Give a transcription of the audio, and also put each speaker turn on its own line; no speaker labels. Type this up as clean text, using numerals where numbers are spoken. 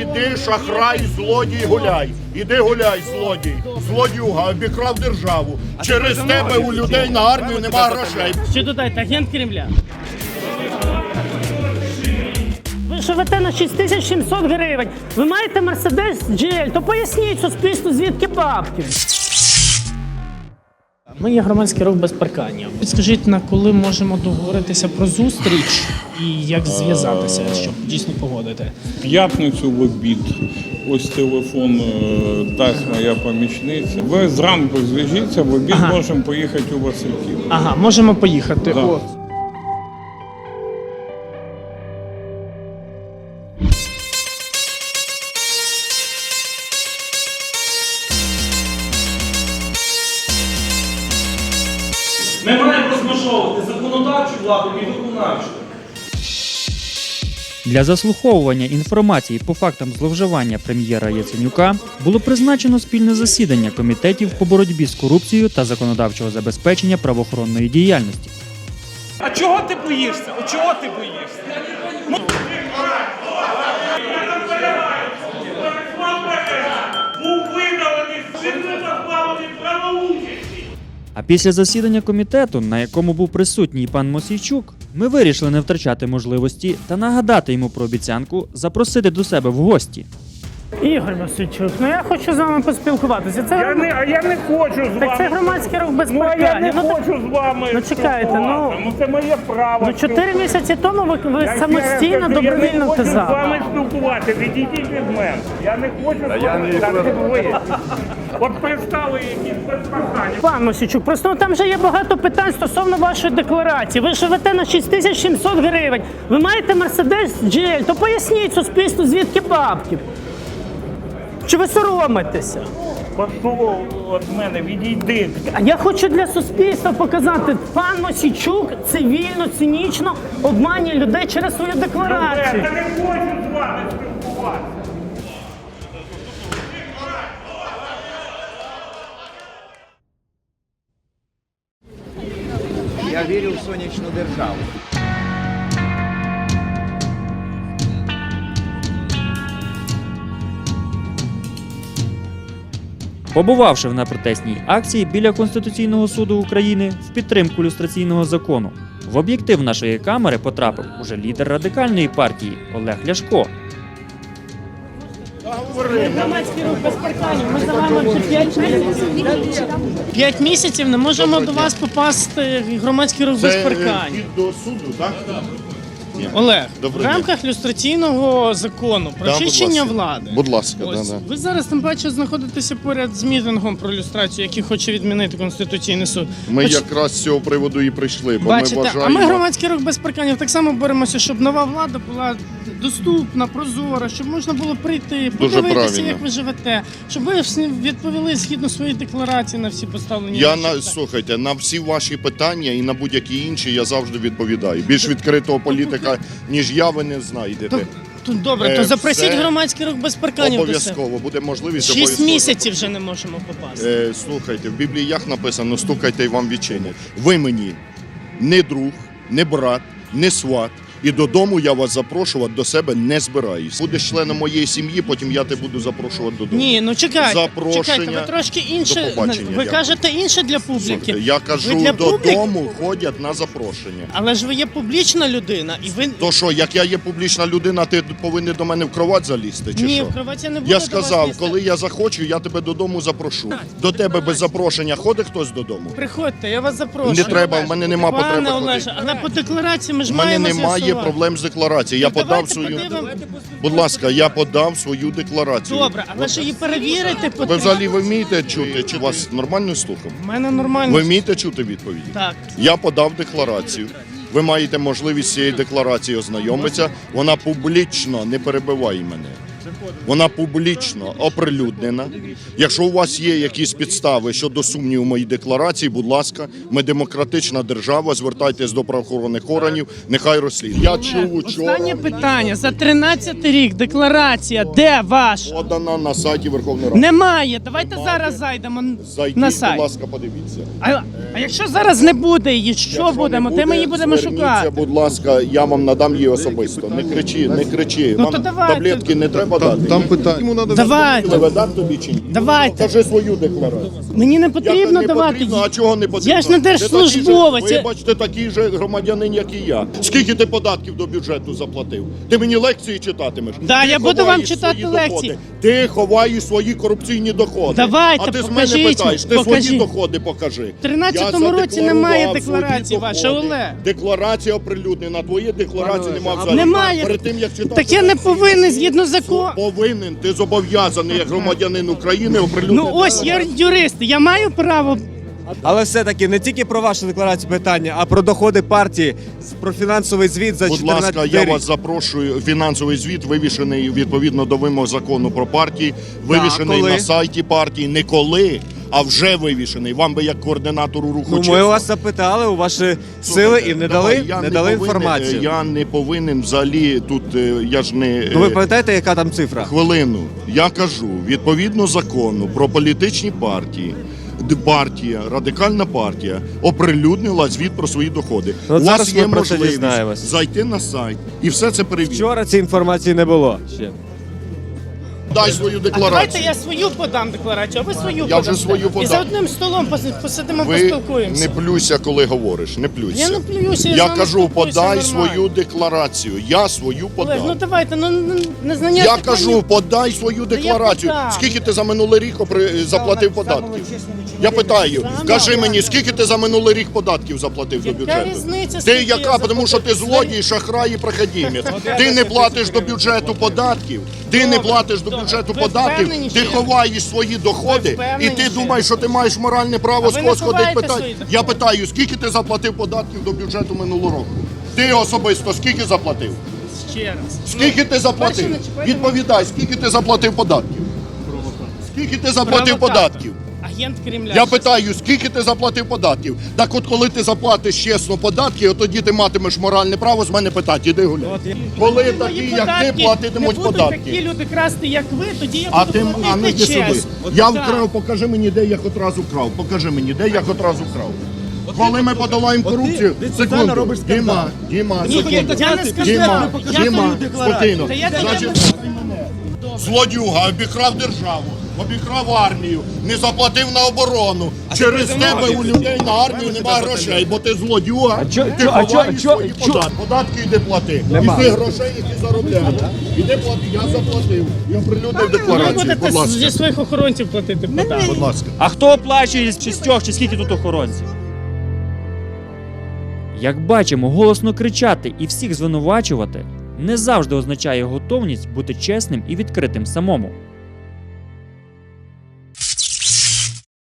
Іди, шахрай, злодій, гуляй. Іди гуляй, злодій. Злодюга, обікрав державу. Через тебе у людей на армію нема грошей.
Що додаєте, агент Кремля? Ви живете на 6700 гривень. Ви маєте Мерседес GL, то поясніть суспільству, звідки бабки. Ми є громадський рух без паркання. Підскажіть, на коли можемо договоритися про зустріч і як зв'язатися, щоб дійсно погодити?
В п'ятницю в обід. Ось телефон дасть моя помічниця. Ви зранку зв'яжіться, в обід можемо поїхати у Васильків.
Ага, можемо поїхати.
Да.
О.
Ми маємо розмежовувати законодавчу владу і виконавчу.
Для заслуховування інформації по фактам зловживання прем'єра Яценюка було призначено спільне засідання комітетів по боротьбі з корупцією та законодавчого забезпечення правоохоронної діяльності.
А чого ти боїшся? О, чого ти боїшся? Був видалений, сильно позбавлений правоучасті.
А після засідання комітету, на якому був присутній пан Мосійчук, ми вирішили не втрачати можливості та нагадати йому про обіцянку запросити до себе в гості.
Ігор Мосійчук, ну я хочу з вами поспілкуватися. Це
Я не хочу з вами.
Так це громадський рух без
Ну, а я
паркання.
не хочу з вами.
Ну чекайте,
спілкуватися. Це моє право.
Ну 4 місяці тому ви
Я
самостійно
ще раз кажу,
добровільно
Я не хочу з
казали.
вами спілкуватися, відійдіть від мене. Я не хочу з вами. Так ви. От пристали якісь без паркання.
Пан Мосійчук, просто там вже є багато питань стосовно вашої декларації. Ви живете на 6700 гривень. Ви маєте Мерседес GL, то поясніть суспільству, звідки бабки. Чи ви соромитеся?
Пішов від мене, відійди.
А я хочу для суспільства показати, пан Мосійчук цивільно, цинічно обманює людей через свою декларацію.
Я не хочу з вами спілкуватися.
Я вірю в сонячну державу.
Побувавши на протестній акції біля Конституційного суду України в підтримку люстраційного закону, в об'єктив нашої камери потрапив уже лідер радикальної партії Олег Ляшко.
Громадський рух без парканів. Ми за вами вже 5 місяців. 5 місяців не можемо до вас попасти громадський рух без парканів.
Хід до суду, так?
Олег, в
Добрий
рамках люстраційного закону про
Да, будь
очищення
ласка.
влади.
Будь ласка,
Ось,
да.
ви зараз тим паче знаходитеся поряд з мітингом про люстрацію, який хоче відмінити Конституційний суд.
Ми якраз з цього приводу і прийшли, бо
Бачите,
ми вважаємо...
а ми громадський рух без парканів так само боремося, щоб нова влада була доступна, прозора, щоб можна було прийти, подивитися,
правильно.
як ви живете, щоб ви відповіли згідно своєї декларації на всі поставлені.
Я
ваші питання.
слухайте, на всі ваші питання і на будь-які інші я завжди відповідаю. Більш відкритого політика, ніж я, ви не знайдете.
Добре, то запросіть
все
громадський рух без парканів до себе.
Обов'язково, буде можливість.
6
обов'язково.
місяців вже не можемо попасти.
Слухайте, в Біблії як написано, стукайте і вам відчинять. Ви мені не друг, не брат, не сват. І додому я вас запрошувати до себе не збираюсь. Будеш членом моєї сім'ї, потім я тебе буду запрошувати додому.
Ні, ну чекайте,
Запрошення.
ви трошки інше,
До побачення,
ви
дякую.
кажете інше для публіки.
Слухайте, я
Ви
кажу,
для
додому ходять на запрошення.
Але ж ви є публічна людина, і ви...
То що, як я є публічна людина, ти повинен до мене в кровать залізти, чи
Ні,
що?
в кроваті не буду
Я
до
сказав,
вас лізти.
коли я захочу, я тебе додому запрошу. До тебе без запрошення ходить хтось додому?
Приходьте, я вас запрошую.
Не треба, в мене нема потреби
Пане
ходити.
Олеже, але по декларації ми ж
У мене
маємо
немає
з'ясувати.
проблем з декларацією. Я
Ну,
подав
давайте
свою...
подивимо.
Будь ласка, я подав свою декларацію.
Добре, але ж її перевірити
Ви
потрібно.
взагалі ви вмієте чути? Чи вас нормально слухав?
У мене нормально.
Ви вмієте чути відповіді?
Так.
Я подав декларацію. Ви маєте можливість з цією декларацією ознайомитися. Вона публічно, не перебивай мене. Вона публічно оприлюднена. Якщо у вас є якісь підстави щодо сумніву в моїй декларації, будь ласка, ми демократична держава, звертайтесь до правоохоронних органів, нехай розслідують. Я чув учора,
Останнє питання. За 13-й рік декларація, де ваша?
подана на сайті Верховної Ради.
Немає. Давайте зараз зайдемо
Зайдіть,
на
будь
сайт.
ласка, подивіться.
А якщо зараз не буде її, що
Якщо
будемо?
не
Де ми її будемо
зверніться,
шукати?
будь ласка, я вам надам її особисто. Не кричи, не кричи.
Ну,
Вам
то давайте.
таблетки не треба подати?
Там питання. Йому треба
Давайте,
Видам тобі чи ні?
давайте.
Покажи свою декларацію.
Мені не
Як
потрібно
не
давати.
потрібно, а чого не потрібно?
Я ж не
Ти такий же,
держслужбовець.
вибачте, такий же громадянин, як і я. Скільки ти податків до бюджету заплатив? Ти мені лекції читатимеш?
Да,
Ти
я буду
ховаєш
вам читати
свої
лекції.
доходи. Ти ховаєш свої корупційні доходи.
Давайте,
а ти з мене
покажіть,
питаєш, ти
покажіть.
свої доходи покажи.
В 13-му році немає декларації вашої, Олег.
Декларація оприлюднена, твої декларації немає взагалі.
Немає.
Перед тим, як читати
Так я не
лекції,
повинен згідно закону.
Повинен, ти зобов'язаний як громадянин України оприлюднити.
Ну ось я юрист, я маю право.
Але все-таки не тільки про вашу декларацію питання, а про доходи партії, про фінансовий звіт за
Будь
14
ласка, я
рік.
вас запрошую. Фінансовий звіт вивішений відповідно до вимог закону про партії, вивішений
коли?
на сайті партії. Не коли, а вже вивішений. Вам би як координатору руху
Ну, ми
чесно.
вас запитали у ваші сили і не
Давай,
дали,
я
не дали
повинен,
інформацію.
Я не повинен взагалі тут, я ж не...
Ну ви пам'ятаєте, яка там цифра?
Хвилину. Я кажу, відповідно закону про політичні партії, партія, радикальна партія оприлюднила звіт про свої доходи.
Ну,
У
зараз
вас
ми
є
про це
можливість
дізнаємось.
зайти на сайт і все це перевірити.
Вчора цієї інформації не було ще.
Дай свою
А давайте
декларацію.
я свою подам декларацію, а ви свою
Я
подасте.
вже свою
І
подам.
за одним столом посидимо,
Ви
поспілкуємося.
не плюйся, коли говориш, не плюйся.
Я не плююся, я з
Я
вами
кажу,
спілкуюся
подай
нормально.
свою декларацію. Я свою
Олег, ну
подав.
давайте, незнання
Я
законів.
кажу, подай свою декларацію.
подам.
Скільки ти за минулий рік заплатив податків? Я питаю, скажи мені, скільки ти за минулий рік податків заплатив до
Яка
бюджету?
різниця,
Ти
скільки
яка?
я
Тому що ти
заплатив?
злодій, шахрай і проходимець. Ти не платиш до бюджету податків, ти не платиш до бюджету
Ви
податків,
впевнені,
ти
що я-
ховаєш свої доходи,
Ви
і
впевнені,
ти
що
думаєш, що ти маєш моральне право
А
з
ви
когось
не
ходити
ховаєте
питати.
свої доходи?
Я питаю, скільки ти заплатив податків до бюджету минулого року? Ти особисто скільки заплатив?
Ще раз.
Скільки ти заплатив?
перше не чіпайте
Відповідай, скільки ти заплатив податків? Скільки ти заплатив
Провокатор.
податків?
Агент Кремля.
Я питаю, скільки ти заплатив податків? Так от коли ти заплатиш чесно податки, от тоді ти матимеш моральне право з мене питати, іди гуляй. Коли
Мої
такі, як ти,
податки
платитимуть
не будуть
податки.
такі люди красти, як ви, тоді я
А
буду
ти, а ну йди
платити
сюди.
чесно.
Я
Так.
вкрав, покажи мені, де я хоч раз вкрав. Покажи мені, де я хоч раз вкрав. Коли ми подолаємо корупцію, секунду. Діма,
Ні,
секунду.
я не сказав.
Діма,
Я
Діма, спокійно.
Та я
Значить, злодюга обікрав державу, обікрав армію, не заплатив на оборону. Через тебе у людей на армію немає грошей, бо ти злодюга, ти ховаєш свої податки. Податки йди плати. І ти грошей, які заробляєш. Іди плати, я заплатив. Я оприлюднив
Ви
декларацію,
будете
будь ласка.
зі своїх охоронців платити податки.
Будь ласка.
А хто оплачує з шістьох, чи скільки тут охоронців? Як бачимо, голосно кричати і всіх звинувачувати не завжди означає готовність бути чесним і відкритим самому.